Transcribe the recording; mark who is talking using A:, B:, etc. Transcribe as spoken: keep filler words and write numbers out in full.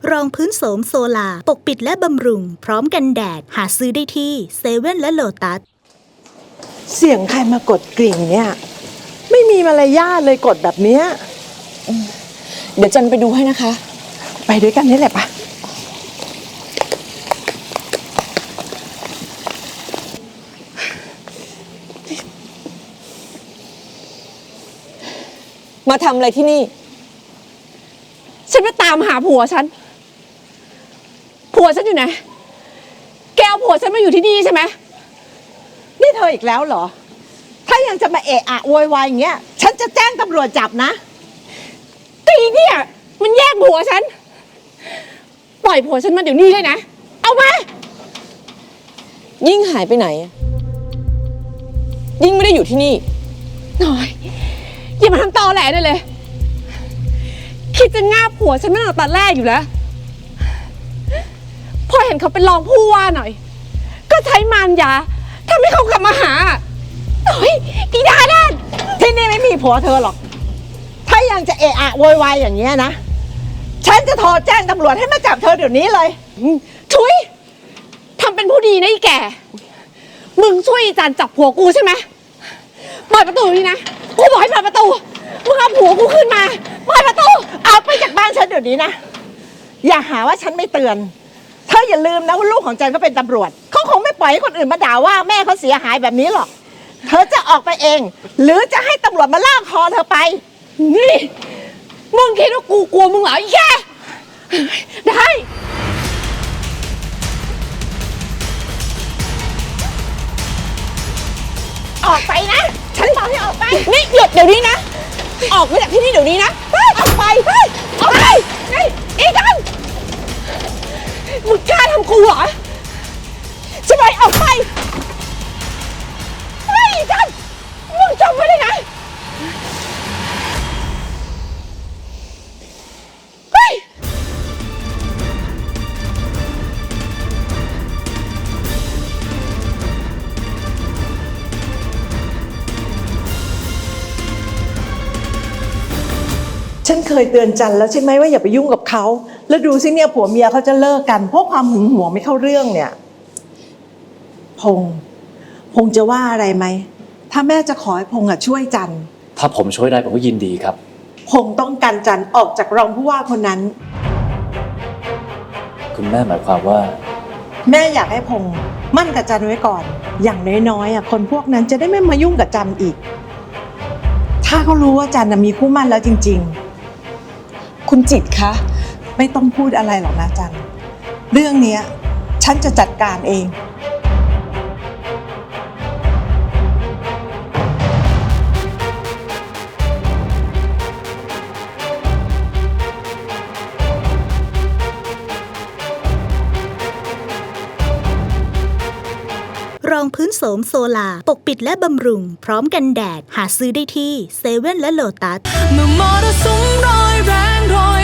A: รองพื้นโสมโซลาปกปิดและบำรุงพร้อมกันแดดหาซื้อได้ที่เซเว่นและโลตัส
B: เสียงใครมากดกริ่งเนี่ยไม่มีมารยาทเลยกดแบบเนี้ย
C: เดี๋ยวจันไปดูให้นะคะ
B: ไปด้วยกันนี่แหละปะ
C: มาทำอะไรที่นี่ฉันมาตามหาผัวฉันผัวฉันอยู่ไหนแกเอาผัวฉันมาอยู่ที่นี่ใช่ไหม
B: นี่เธออีกแล้วเหรอถ้ายังจะมาเอะอะโวยวายอย่างเงี้ยฉันจะแจ้งตำรวจจับนะ
C: ตีเนี่ยมันแยกผัวฉันปล่อยผัวฉันมาเดี๋ยวนี้เลยนะเอามายิ่งหายไปไหนยิ่งไม่ได้อยู่ที่นี่น้อยอย่ามาทำตอแหลได้เลยคิดจะง่าผัวฉันมาตั้งแต่ตอนแรกอยู่แล้วพอเห็นเขาเป็นรองผู้ว่าหน่อยก็ใช้มารยาทำให้เขากลับมาหาโอ้ยอีดาด้าน
B: ที่นี่ไม่มีผัวเธอหรอกถ้ายังจะเอะอะโวยวายอย่างเงี้ยนะฉันจะโทรแจ้งตำรวจให้มาจับเธอเดี๋ยวนี้เลย
C: ชุยทำเป็นผู้ดีนะอีแก่มึงช่วยจันจับผัวกูใช่ไหมเปิดประตูนี่นะกูบอกให้เปิดประตูมึงเอาผัวกูขึ้นมาเปิดประตู
B: เอาไปจากบ้านฉันเดี๋ยวนี้นะอย่าหาว่าฉันไม่เตือนเธออย่าลืมนะว่าลูกของจันก็เป็นตำรวจเขาคงไม่ปล่อยให้คนอื่นมาด่าว่าแม่เขาเสียหายแบบนี้หรอกเธอจะออกไปเองหรือจะให้ตำรวจมาลากคอเธอไป
C: นี่มึงคิดว่ากูกลัวมึงเหรอไอ้แย่ได้
B: ออกไปนะฉันบอกให้ออกไป
C: นี่หยุดเดี๋ยวนี้นะออกไปจากที่นี่เดี๋ยวนี้นะ
B: ออกไป
C: ออกไปนี่อีจันมึงกล้าทำกูเหรอใช่ไหมออกไปเฮ้ยอีจันมึงจำไว้เลยนะเฮ้ย
B: ฉันเคยเตือนจันแล้วใช่ไหมว่าอย่าไปยุ่งกับเขาแล้วดูสิเนี่ยผัวเมียเขาจะเลิกกันเพราะความหึงหวงไม่เข้าเรื่องเนี่ยพงษ์พงษ์จะว่าอะไรไหมถ้าแม่จะขอให้พงษ์อะช่วยจัน
D: ถ้าผมช่วยได้ผมก็ยินดีครับ
B: พงษ์ต้องกันจันออกจากรองผู้ว่าคนนั้น
D: คุณแม่หมายความว่า
B: แม่อยากให้พงษ์มั่นกับจันไว้ก่อนอย่างน้อยๆอะคนพวกนั้นจะได้ไม่มายุ่งกับจันอีกถ้าเขารู้ว่าจันมีคู่มั่นแล้วจริงๆคุณจิตคะไม่ต้องพูดอะไรหรอกนะจันเรื่องนี้ฉันจะจัดการเอง
A: รองพื้นโสมโซลาปกปิดและบำรุงพร้อมกันแดดหาซื้อได้ที่เซเว่นและโลตัสเมื่อมรสุมร้อยแรงร้อย